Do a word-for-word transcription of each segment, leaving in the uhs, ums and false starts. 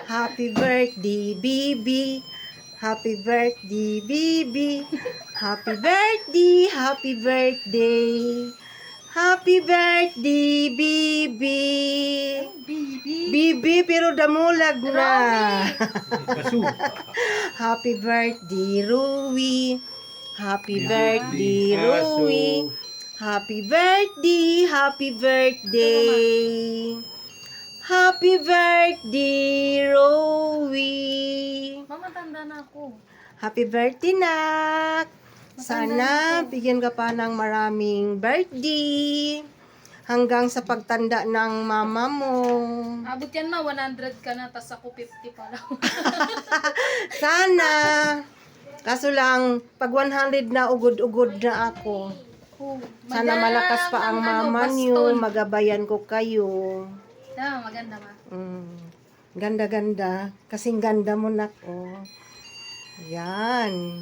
Happy birthday, Bibi. Happy birthday, Bibi. Happy birthday, happy birthday. Happy birthday, Bibi. Bibi. Bibi, pero damulag na. Kasu. Happy birthday, Rui. Happy Bibi, birthday, aso. Rui. Happy birthday, happy birthday. Happy birthday, Rui. Mama, tanda na ako. Happy birthday, nak. Sana bigyan ka pa ng maraming birthday. Hanggang sa pagtanda ng mama mo. Abot yan ma, one hundred ka na, tas ako fifty pa lang. Sana. Kaso lang, pag one hundred na, ugod-ugod na ako. Oh, Sana madam, malakas pa ang ano, mama baston. niyo. Magabayan ko kayo. Tama, maganda ma. Mm. Ganda-ganda. Kasing ganda mo, nak. Oh. Yan.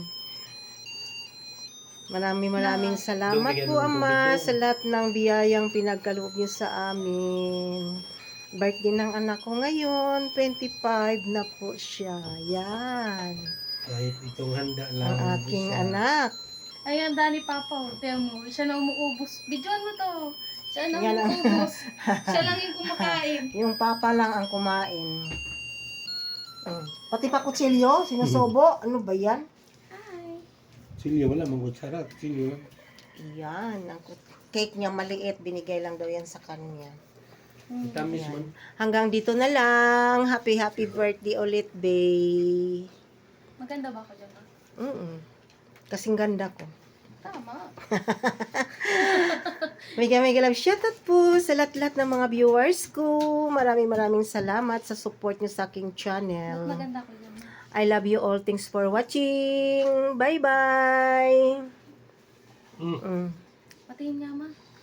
Maraming maraming salamat Bigyan po, mo ng Ama, tubig, sa lahat ng biyayang pinagkaloob niyo sa amin. Birthday ng anak ko ngayon, twenty-five na po siya. Yan. Kahit itong handa lang. Ang aking isa. anak. Ayan, Dani Papa, oh. Tiyan mo, siya na umuubos. Bidyoan mo to. Siya na Yan ang- umuubos. Siya lang yung kumakain. Yung papa lang ang kumain. Mm. Pati pa kutsilyo, sinusobo. Ano ba yan? Hi. Silyo, wala mong kutsara. Silyo lang. Yan. Ang kut- cake niya maliit. Binigay lang daw yan sa kanya. Tamis Yan. man. Hanggang dito na lang. Happy, happy birthday ulit, babe. Maganda ba ako dyan ma? Mm Kasing ganda ko. Tama. Mega mega love shoutout po sa lahat-lahat ng mga viewers ko. Maraming maraming salamat sa support niyo sa aking channel. Maganda ko dyan ma. I love you all. Thanks for watching. Bye-bye. Mm. Mm. Patingin nga ma.